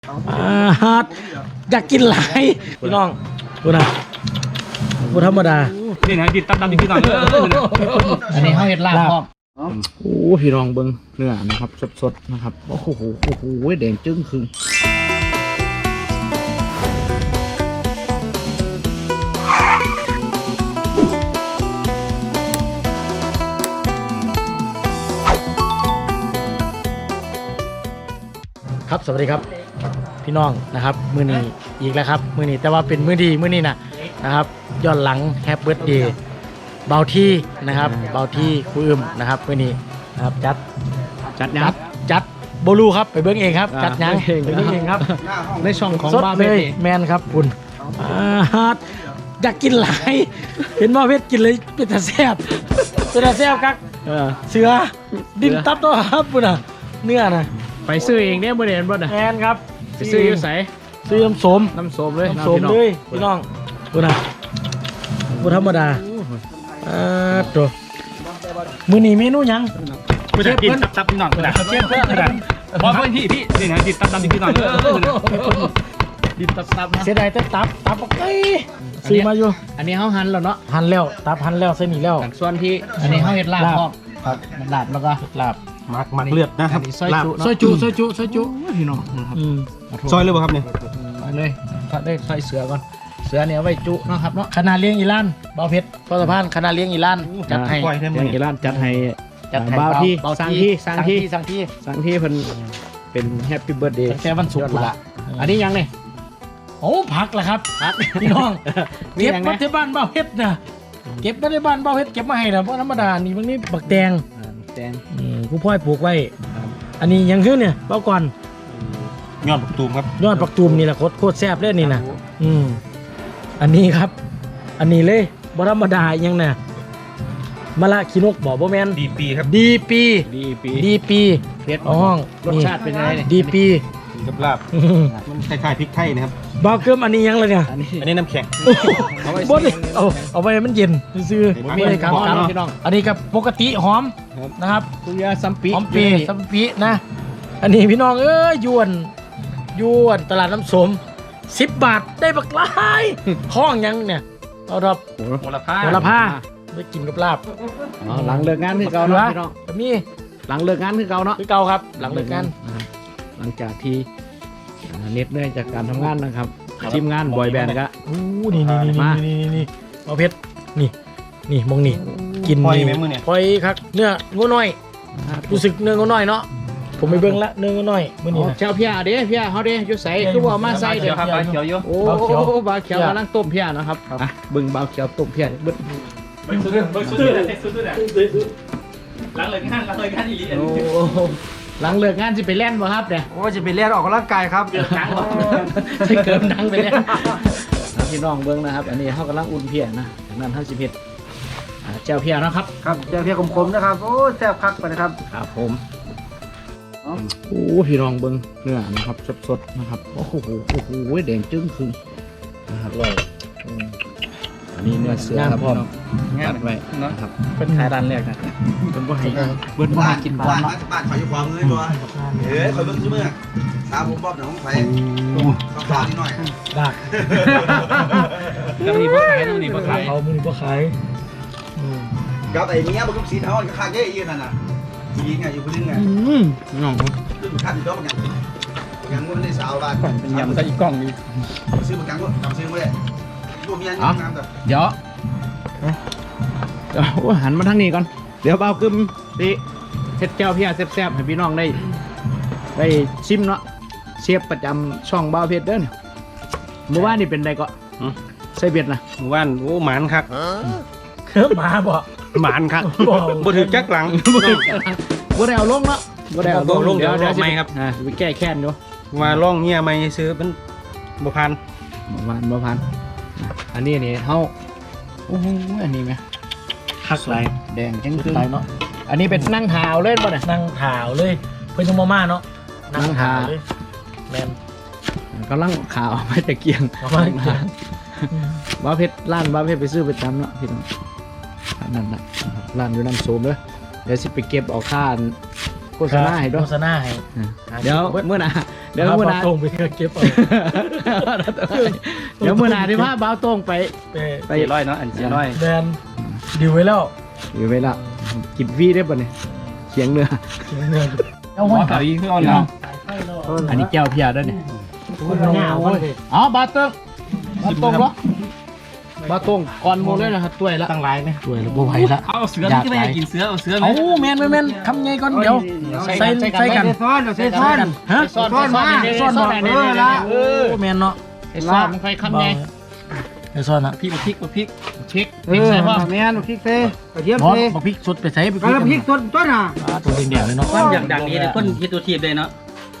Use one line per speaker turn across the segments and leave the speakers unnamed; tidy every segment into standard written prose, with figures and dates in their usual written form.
อยากกินหลายพี่น้องดูนะดูธรรมดา
นี่นะดิดตำพี่น้อง
อันนี้เขาเห็ดลาบพร้อม
โอ้พี่น้องเบิ้งเนื้อนะครับสดๆนะครับโอ้โหแดงจึ้งคือ
ครับสวัสดีครับพี่น้องนะครับมื้อนี้อีกแล้วครับมื้อนี้แต่ว่าเป็นมื้อดีมื้อนี้นะครับย้อนหลังแฮปปี้เบิร์ธเดย์เบาที่นะครับเบาที่ครูอึมนะครับมื้อนี้นะครับจัดโบลูครับไปเบิ้งเองครับจัดยังไปเบิ้งเองครับ
ในช่องของ
บ้าเพชรแมนครับคุณอยากกินหลายเห็นบ้าเพชรกินเลยเป็นตาแซ่บครับเสือดินตับตัวครับคุณอ่ะเนื้อนะ
ไปซื้อเองเนี่ยบริเวณบ่นะ
แมนครับ
ไปซื้ออยู่ไส
ซื้อน้ำส้ม
เลย
พี่น้องดูนะดูธรรมดาตัวมื้อนี้เมนูยัง
เชฟเพื่อนตับพี่น้องนะเชฟเพื่อนนะพอเพื่อนพี่นี่นะดิดตับพี่น้องดิดตับนะ
เสียดายแต่ตับไก่ซื้อมาอยู่
อันนี้เขาหั่นแล้วเนาะ
หั่นแล้วตับหั่นแล้วเส้นนี้แล้ว
ส่วนที่อันนี้เขาเห็ดลาบพร้อม
ครับลาบแล้วก็ลาบ
มักเลือดนะครับ
ซอยจุ
พี่น้องซอยเลยป่ะครับเนี่ย
เลยได้ซอยเสือก่อนเสือเนี่ยไว้จุนะครับเนาะคณะเลี้ยงอีลานเบาเพชรพอสะพานคณะเลี้ยงอีลานจัดให้
เลี้ยงอีลานจัดให้บ่าวที่สั่งที่เพิ่นเป็นแฮปปี้เบิร์ธเดย์
แค่วันศุกร์ละ
อันนี้ยังเนี่ย
โอ้ผักแหละครับพี่น้องเก็บมาที่บ้านเบาเพชรนะเก็บมาที่บ้านเบาเพชรเก็บมาให้นะเพราะธรรมดานี่บางนี้บักแดงผู้พ่อยปลูกไว้อันนี้ยังขึ้นเนี่ยเบาก่อน
ยอดปักตูมครับ
ยอดปักตูมนี่แหละโคตรแซ่บเลยนี่นะอันนี้ครับอันนี้เลยบธรรมดายังเนี่ยมะละขีนกบอกบ่แมน
ดีปีครับ
ดีปี
เผ็ดห้องรสชาติเป็นยังไง
ดีปี
กับลาบมันคล้ายๆพริกไทยนะครับ
บาเกิมอันนี้ยังเลยเนี่ย
อันนี้น้ำแข็ง
เอาไว้มันเย็นซื้อไม่ได้ครับอันนี้กับปกติหอมนะครับ
ตุยาซัม
ปีนะอันนี้พี่น้องยวนตลาดน้ำสม10 บาทได้บักหลายห้องยังเนี่ยเอาดับ
โหระพา
ไปกินกับลาบ
หลังเลิกงานคือเก่าเนาะพี่น้อง
มี
หลังเลิกงานคือเก่าเนาะ
คือเก่าครับหลังเลิกงาน
หลังจากที่เหน็ดเหนื่อยจากการทำงานนะครับทีมงานบอยแบนด์ก็
นี่เอาเพชรนี่มองนี่กินพอยครับเนื้องูน้อยรู้สึกเนื้องูน้อยเนาะผมไปเบิ่งละเนื้องูน้อยมื้อนี้
เจ้าเพียเด้เพียเฮาเด้อยู่ไสคือว่ามาใส่เด้อครับเขียวอยู่โอ้บาเขียวกำลังต้มเพียนะครับเบิ่งบาเขียวต้มเพียเบิ่งสุดหลังเลิกงานอีหลีหลังเลิกงานจะไปเล่นบ่ครับเนี่ย
โอ้จะไปเล่นออกกำลังกายครับ
เกินดังจะเกินดังไปเล่นพี่น้องเบิ้งนะครับอันนี้เขากำลังอุ่นเพียนะจากนั้นเขาสิเผ็ดเจ้าเพียนะครับ
เจ้าเพียคมๆนะครับโอ้แซ่บคักไปนะครับ
ครับผมโอ้พี่น้องเบิ้งเนื้อนะครับสดๆนะครับโอ้โหแดงจึ้งคือนะครับเลยอันนี้เนื้อเสือครับพี่น้องตัดไว้นะครับ
เป็นขายร้านแรกนะ
เป็นบ่ให้เบิ้ลบ่ให้กินบ้าน
บ้านขายอยู่ความเลยตัวขายเบิ้ลซื้อเมื่อตาผมบ๊อบเดี๋ยวผมไปต้องขายนิดหน่อย
ดัก
ต้องมีบ่ขายเขามือ
นี่บ่ขาย
กับไอ้เมียมันก็สีเทาก็ค่าเยอะอีกนั่นน่ะยิงไงอยู่คนนึงไง
น้อง
ค่าติดต่อกันยังมันได้สาวบ้าน
เป็นยำใส่กล้องนี่
ซื้อประกันก็ทำซื้อไม่ได้ตัวเมียนี่น้ำแบบ
เดี๋ยวหันมาทางนี้ก่อนเดี๋ยวเบากึมดิเฮ็ดแก้วเพียแซ่บๆให้พี่น้องได้ชิมเนาะเชฟประจำช่องเบาเพชรเด้อเมื่อวานนี่เป็นไงก็ใส่เบ็ดนะ
เมื่อวานโอ้หมานคัก
หมาบ่
หมานคักบ่ถือจักหลัง
บ่ได้เอาลงเนาะบ่ได้เอาลงเดี๋ยว
ไม่ครับ
ไปแก้แค้นอยู่
มาล่องเงี้ยไม่ซื้อเป็นบ่พัน
อันนี้เฮาโอ้โหอันนี้ไหม
คักไร
แดงจังคือ
เนาะ
อันนี้เป็นนั่งถาวเล่นป่ะเนี่ย
นั่งถาวเลยเพิ่นจะมาเนาะ
นั่งถาวเลย
แมน
ก็ลั่งขาวไม่ตะเกียงบ้าเพชรร้านบ้าเพชรไปซื้อไปจำเนาะพี่น้องนั่นแหละร้านอยู่น้ำโสมเลยเดี๋ยวสิไปเก็บเอาค่าโฆษณาให้ด้วย
โฆษณาให้
เดี๋ยวเมื่อน่ะเดี๋ยวมื้อหน้า
ตรงไปเก็บเอา
เดี๋ยวมื้อหน้าที่พาบ่าวโต้งไป
ไป
เสียร้อยเนาะอันเสียร้อย
แดนดิวไว้แล้ว
อยู่ไว้ละกินฟรีได้ป่ะเนี่ยเขียงเนื้อ
เอา
หั
ไว้
วเก่าอีกคือเอาเนาะ
อันนี้แก้วเพียด้วยเนี่ย
เอาไว้
อ๋อบาเติ้งบาตรงเหรอบาตรงก่อนหมดเลยนะครับตัวยละ
ตั้งหลายไหมสวยแล้วบ่ไหวละ
เอาเสือที่ไม่ให้กินเสือเอาเสือไหม
เอาแมนคำไงก่อนเดี๋ยวใส่กัน
ซ้อนเดี๋ยวใส่ซ้อน
ฮะ
ซ้อนมา
ซ่อนบ่
เออละ
โอ้แมนเนาะ
ใส่ซ้อนมันค่อยคำไง
ไอ้ซ่อนอะ
พริกพริกพริก
พริกพริกใส่พ่อแม่นพริกเซ่กระเทียม
บอส
เซ่
บอกพริกสดไปใส่ไป
แล้วพริกสดต้นอ่ะ
ตัวแดงๆเลยเนาะ
ความอย่างดังนี้เลยคนที่ตัวทีบเลยเนาะ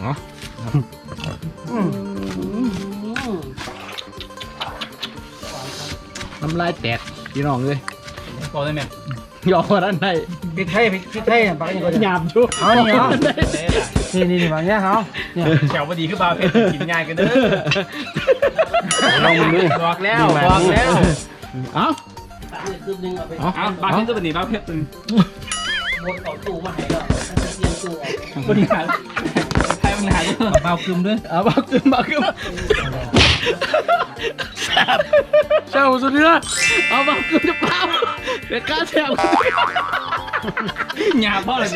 น้ำลายแตกพี่น้องเลย
บอกได้ไหม
ยอมกันได้
พริกไทยบางอย่าง
หยาบชุบ
เอาเนี่ยเอา นี่บางอย่างเขา
แถวพอดีคือบาเพชรกินง่ายกันเด้อลองดูบอกแล้วบอกแล้ว
เอ้า
เอาบาเพชรตัวนี้บาเพชรตัวนี้
หมดเอาตู้มาให้แล้วมันจะเตรียมตู้
คนที่หาใครมันหาเบาคึมด้วย
เอาบ้าขึ้นบ้าขึ้น
เจ้าสุดเนื้อ
เอาบ้าขึ้นจะเปล่าเด็กกล้าแซว
หยาบพ่อเลย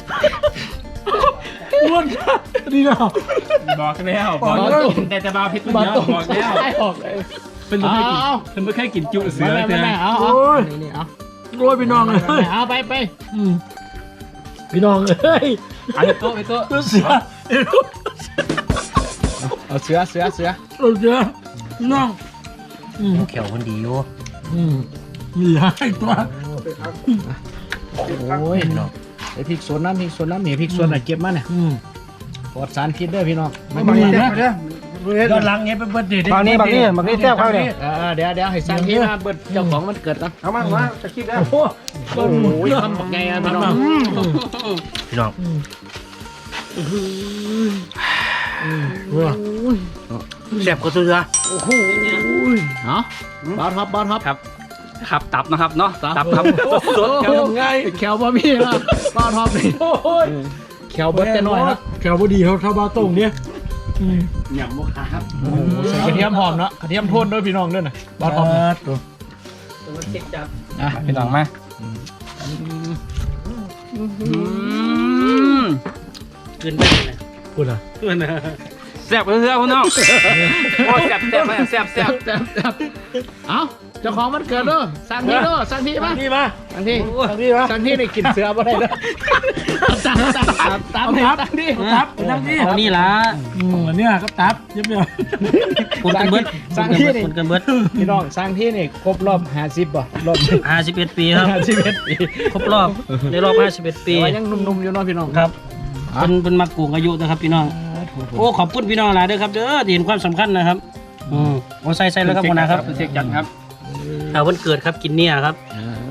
อ้วนนี่เนาะ
บอกแล้วบอกแต่จะบาเพชรตัว
บ้า
เดียว
ตรง
บอกแล้ว
ออกเลย
เป็นไม่เคยกินเป็นไม่เคยกินจุเสือ
ไม่
เสือ
ได้เอาเอานี่เอา
โรยพี่น้องเลย
เอาไป
พี่น้องเอ้ย
ไอ้โต๊ะไอ้โต๊ะ
ตัวเสือ
เอาเสือ
ตัวเสือพี่น้อง
เขียวคนดีอยู่
มีให้ตัว
โอ้ยไอพริกสวนน้ำนี่พริกสวนไหนเก็บมาเนี่ยปลอดสารพิษเด้อพี่น้อง
บางทีนะย้อนหลังเงี้ยเป็นเบิร์ดเดย์
บางนี้แซ่บเขาเนี่ย
เดี๋ยวให้สร้างที่มาเบิดเจ้าของมันเกิดนะ
เอามาจะคิดได้
โอ้โห
โอ้ยทำบักไงอ่ะพี่น้อง
พี่น้อง
แซ่บกว่าเสือ
โอ้โหเนาะบอสท็อป
ครับตับนะครับเนาะตับครับ
สดแขวง่ายแขวบะมี่นะบอสท็อปนี่
โอ้ย
แขวเบิดจะหน่อยนะ
แขวพอดีเท่าบาตรงเนี่ย
หยำโมคาครับ
ใส่กระเทียมหอมเนาะกระเทียมโทนด้วยพี่น้องด้วยนะบอสท็อป
ตัว
มันเช็คจับ
อ่ะ
พี่น้องมา
ขึ้นไปเลย
พูดอ่ะ
แซ่บเพื่อนพี่น้องโอ้แซ่บแซ่บแซ่บแซ่บ
เอ้าเจ้าของมันเกิดเด้อสั่งที่เด้อสั่งที่มา
นี่มา
สั่งที่
นี่มา
สั่งที่นี่กินเสือบ่ได้เด้อตับตับที่
ตับนั่งนี่
เอานี่ล่ะ
เนี่ยครับตับเย็บเดียว
คุณกันเบิด
สั่งที่นี่
คุณกันเบิด
พี่น้องสั่งที่นี่ครบรอบ50บ่รอบ
51 ปีครับ
51ปี
ครบรอบในรอบ51 ปี
แต่ว่ายังหนุ่มๆอยู่เนาะพี่น้อง
ครับเป็นมากูงอายุนะครับพี่น้องโอ้ขอบคุณพี่น้องหลายเด้อครับเด้อที่เห็นความสำคัญนะครับโอ้ใส่แล้วครับหัวหน้าครับ
เช็คจันครับ
เอาวันเกิดครับกินเนี่ยครับ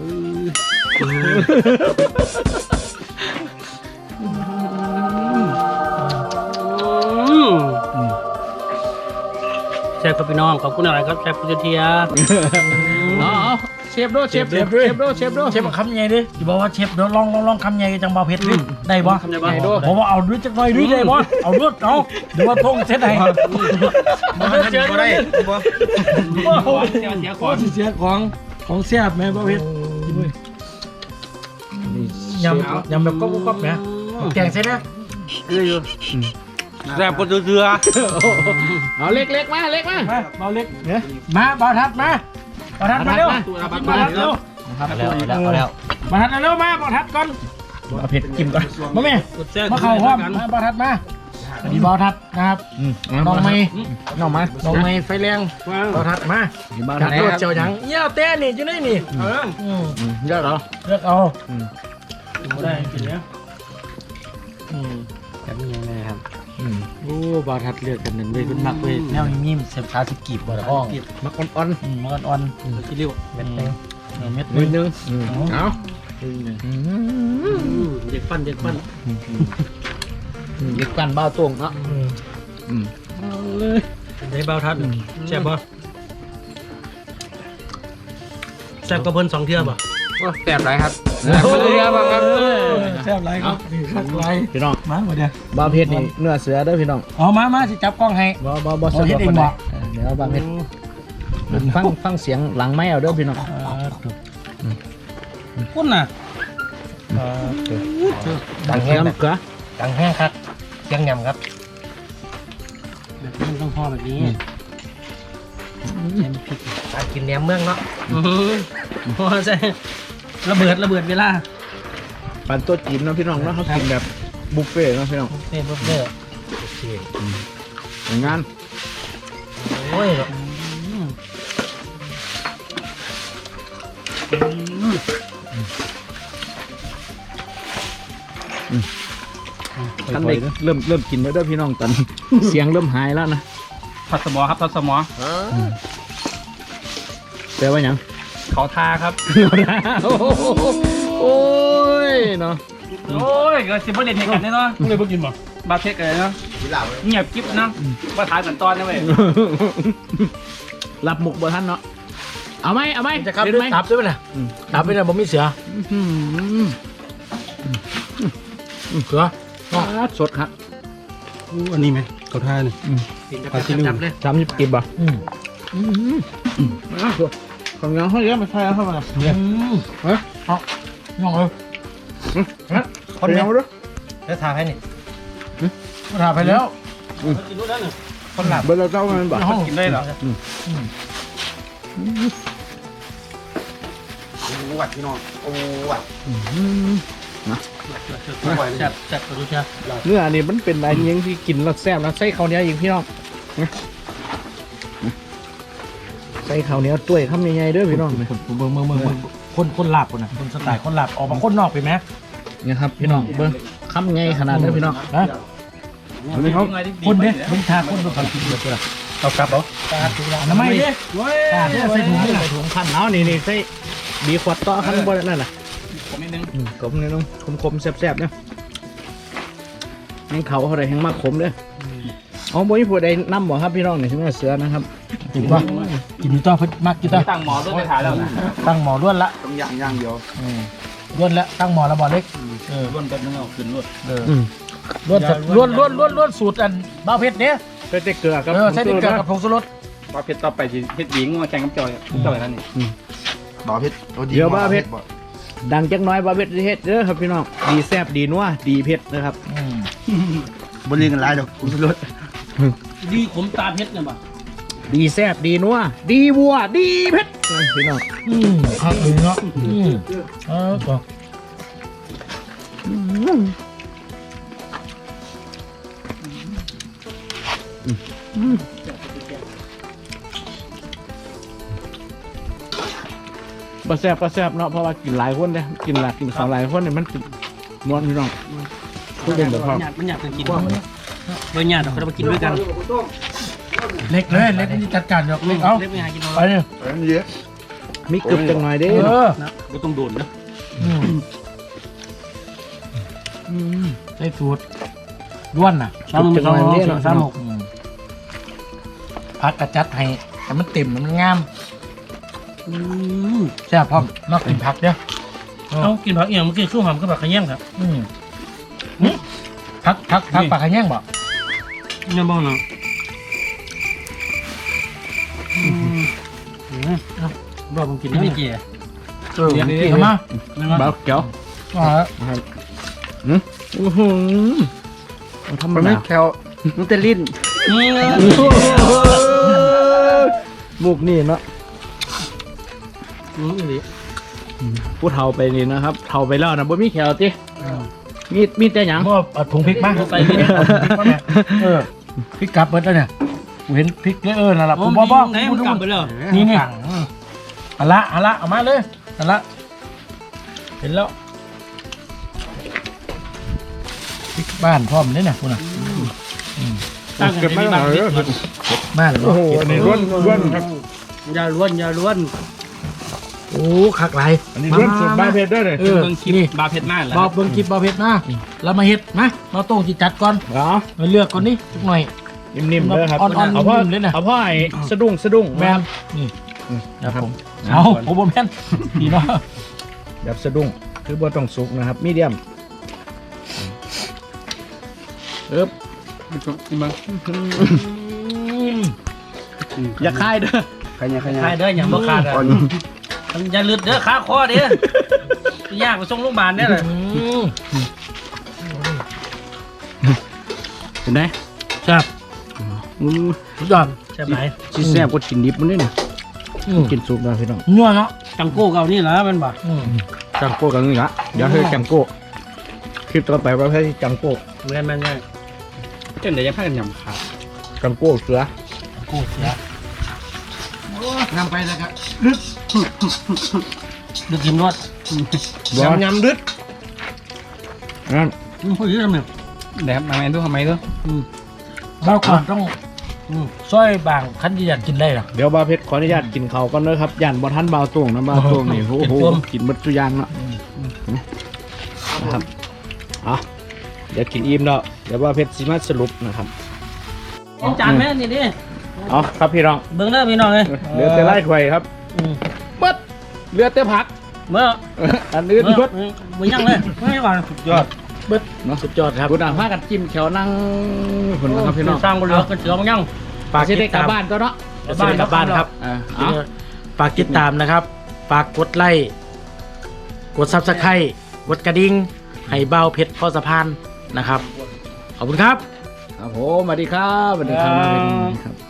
แชร์กับพี่น้องขอบคุณอะไรครับแชร์คุณเทีย
เอาเชฟโดเชฟโด
เชฟคำใหญ่ดิอย่าบอกว่าเชฟเดี๋ยวลองคำใหญ่จังบ่าวเพชรดิได้บ่
ทำได้บ้าง
ผมว่าเอาด้วยจักหน่อยด้วยได้บ่เอาด้วยเอาเดี๋ยวว่าท่งเซตไหน
มันเจอได้
เสียของ
เสียของแซ่บแม่บ่าวเพชรยำแบบก๊อบๆนะแกงเสร็จนะ
แซ่บกว่าเสือ
เอาเล็กๆมาเล็กมา
มาเบาเล็กมาเบาทัดมาเบาทัดมาเร็วมาทัดเร็ว
เอาแล้ว
มาทัดเร็วมาเบาทัดก่อนเอาเผ็ดกินก่อนมาแม่มาเข่าพร้อมมาเบาทัดมาอันนี้เบาทัดนะครับน้องไม้ไฟแรงเบาทัดมาจัดรถเจ้าหยังเยี่ยวเต้นี่อยู่ไหนนี่
เยอะเหรอ
เลือกเอาได้กินแล้ว
แบบนี้ยังไงครับ
โอ้บาทัดเลือกกันหนึ่งเลยเป็นมักเว้ย
แนวนิ่มๆเสียบขาสกีบบ่ละอ้อง
มักอ่อน
มันอ่อนที่เรียกเม็ดนึงเม็ด
ๆนิดนึงเอา
เด็กปั้น
เล็กกันบ้าตรงเนาะ
ได้เบาทัดแซ่บบ่แซ่บกระเพิ่น2 เทื่อบ่
แซ่บไรครับ
แซ่บไรครับคักไร
พี่น้อง
มาหมดเดียว
บาเพชรนี่เนื้อเสือเด้อพี่น้อง
เอามาสิจับกล้องให้
บ่สะดวก
เฮ็ดเอง
ปานใด
บ่
เดี๋ยวบาเพชรฟังเสียงหลังไม้เอาเด้อพี่น้อง
พุ่นน่ะ
ดังแห้ง
น้ำเกลือ
ดังแห้งครับเสียงยำครับ
แบบนี้ต้องพอแบบนี้ใส่พริก
การกินแหนมเมืองเนาะ
พอใส่ระเบิดเวลา
ปันตัวจีนเนาะพี่น้องเนาะเขากินแบบบุฟเฟ่ต์เนาะพี่น้อง
เต้นเบ้อ
อย่างงาน
โอ้ย
ท่านเด็กเริ่มกินแล้วเด้อพี่น้องตอนนี้ เสียงเริ่มหายแล้วนะ
ทัดสมอครับทัดสมอ
แปลว่าหยัง
เขาทาครับ
โอ้ยเนาะ
โอ้ยก็สิบเด็ดเหตุกันแน่เนาะเลยพวกกินบ่บาเทคเลยเนาะ
กินเหล้าเลย
เงียบกิ๊บนะว่าทายเหมือนตอนนะเว้ย
รับมุกบ่ท่านเนาะเอาไหม
จะครับ
เด็ด
ด้วย
ไหม
ตับด้วยป่ะน่ะตับด้วยนะผมมีเสือ
อื้อ
เสือ
หือสดครับ
อันนี้ไหมเขาท่านี่
จับเลย
30กิบอ่ะของยังเขาเยอะมาใช่แล้วเข้ามา
เฮ้ยเอาย่องเลย
คนยังรู้
แล้วทาให้นี่ทาไปแล้ว
กินรู้แล้วเนี่ย
คนหลับ
เบอร์เราเจ้ามันบอก
ห้อง
กินได้เหรอ
โอ้วัดพี่น้องโอ้วัด
จับตัวดูจ้า
เนื้อนี่มันเป็นอะไรยังที่กินแล้วแซ่บแล้วใส่ข้าวเหนียวอีกพี่น้องใส่ข้าวเหนียวตุ้ยคำใหญ่ๆเด้อพี่น้อง
เมืองคนหลับคนน่ะคนสไตล์คนหลับออกมาคนนอกไปไหม
เนี่ยครับพี่น้องเบิ้งคำใหญ่ขนาดนี้พี่น้อง
นะ
อันนี้เขา
คนเนี่ยมึงทาคนดูความคิดเยอะตัวละ
เอากลับเหรอ
น้ำไม่เนี่ยใส่ถุงนี่
ใส่ถุงขั้นเอานี่ใส่บีขวดต่อขั้นบนนั่นแหละ
ผมนิดนึง
กลมนี่น้องคมๆแซ่บๆเนี่ยแห้งเขาอะไรแห้งมากขมเด้ออ๋อบ่มีผู้ใดนำบ่ครับพี่น้องนี่ถึงเสือนะครับ
กินป่ะกินต่อเพิ่มมากกินต่อ
ตั้งหมอด้วยไปถ่ายแล้วนะ
ตั้งหมอล้วนละ
ต้องย่างเดียว
ล้วนละตั้งหมอแล้วบ่เล็ก
ร่วนกันนึงเอาขึ้นรวด
ล้วนสูตรอันบ้าเพชรเนี่ย
ใส่เกลือครับ
ใส่เกลือกับผงชูรส
ว่าเพชรต่อไปสิเพชรหญิงมาแข่งกับจอยจอยนั่นนี่
บ่อเพชร
เดี๋ยวบ้าเพชรดังจักหน้อยบ้าเพชรเฮ็ดเด้อครับพี่น้องดีแซ่บดีนัวดีเผ็ดนะครับ
บนเรียนกันหลายดอกคุณสุรส
ดีขมตาเพชรเนี่ยบ่
ดีแซ่บดีนัวดีวัวดีเผ็ดนะพี่น้อง
ข้าวเหนียวก็
ปลาแซ่บเนาะเพราะว่ากินหลายคนเนี่ยกินสองหลายคนเนี่ยมันติดนวลพี่น้องพูดเป็นแบบพอ
มันอยากกินเบอร์หยาดเราไปกินด้วยกัน
เล็กเลยเล็กนี่จัดการเล็กเอา
เล็กไม่หากิน
ไปเนี่ย
เยอะ
มีกรึบจังหน่อยเด้
ก็ต้องโดนนะ
ได้สูตรล้วนน่ะ พักกระจัดให้แต่มันเต็มมันงามแซ่บพร้อมนอกกินผักเด้อ
เอากินผักเอียงเมื่อกี้สู้หอมก็แบบขย้งครับ
ผักปลาขย่างบ่
เนี่ยบ้างเนาะบ้าผมกินไม่เกี่ย
เดี๋ยวกินมา
บ้าเก๋วโอ้โหธรรมดา
แคลมันเตลิ้น
มุกนี่เนาะผู้เฒ่าไปนี่นะครับเฒ่าไปแล้วนะบ่มีแขวติมีแต่หยัง
บ่ถุงพริกมาใส่พริกพริกกลับเบิดแล้วเนี่ยกูเห็นพริกเลยนั่นแหละผมบอก
ไหนมันกลับไปแล้ว
นี่อันละเอามาเลยอันละเห็นแล้วพริกบ้านพร้อมเลยเนี่ยคุณน่ะ
ตั้งกันไม่บ้าง
บ้าน
โอ้โหอันนี้ร่วนครับ
อย่าล้วน
โอ้คักไร
อันนี้ร่วนสุดบ้าเพชรด้วยเลย
เบิ่งคลิปบาเพชรหน้าแหละ
บอกเบิ่งคลิปบอเพชรนะแล้วมาเฮ็ดนะเราต้องจิจัดก่อน
เหรอ
มาเลือกก่อนนี่สักหน่อย
นิ่มๆเลยครับ
อ่อนๆ
เอาพ่อ
นิ่มๆเลยนะ
เอาพ่อไอ้สะดุ้ง
แมนนี่ครับผมเอาผมบ่แม่นพี่เนาะ
แบบสะดุ้งคือบ่ต้องสุกนะครับมีเดียมอย่าคายเด้อ
ใครเนี่ยใครเนี่ย
ใครเด้ออย่างบ่ขาดอ่ะมันอย่าลืดเด้อขาคอเด้อยากไปส่งโรงพยาบาลเนี่ยเลย
เห็นไหม
ครับ
อู้
สุดยอดแซ่บไหน
สิแซ่บกว่ากินดิบมันนี่น่ะกินสุกแล้วพี่น้อง
นัวเนาะ
จังโก้เก่านี่เหรอมันบ่
จังโก้กันนี่ละเดี๋ยวให้จังโก้คลิปต่อไปเราให้จังโก้
แม่น
เจ้าไหนยังพากันยำขาด
จังโก้เสือ
โก้เสีย
นำไปแล้วครับ
ดึกกินรส
ยำดึดนั่น
พูดเยอะทำไม
แหนมมาแมนทุกทำไมทุก
เราก่อนต้องซอยบางคันที่อยากกินได้หรอ
เดี๋ยวบาเพชรขออนุญาตกินเขาวก่อนเด้อครับย่านบ่ทันบ่าวตวงนะบ่าวตวงนี่โอ้โหกินหมดทุกอย่างเนาะนะครับเดี๋ยวกินอิ่มแล้วเดี๋ยวบาเพชรสิมาสรุปนะครับ
กินจานแม่นี่ดิ
เอาครับพี่น้อง
เบิ่งเด้อพี่น้องเอ้ย
เหลือแต่ไล่ไข่ครับเบิดเหลือแต่ผัก
เมื่อ
อันอื่นเบิด
มึงยังเลยไม่ก่อนสุดยอด
เบิดเนาะสุดยอดครับคุณอ่ะพากันจิ้มแขวนั่งคนนะครับพี่น้อง
สร้างบนเรือกันเสือมึงยัง
ฝากได้กลับบ้านก็เนาะ
กลับบ้านครับ
เอา
ฝากติดตามนะครับ ฝากกดไลค์ กดซับสไครต์กดกระดิ่ง ให้เบาเพชรพ่อสะพานนะครับ ขอบคุณครับ
ครับผมสวัสดีครับสวัสดีครับ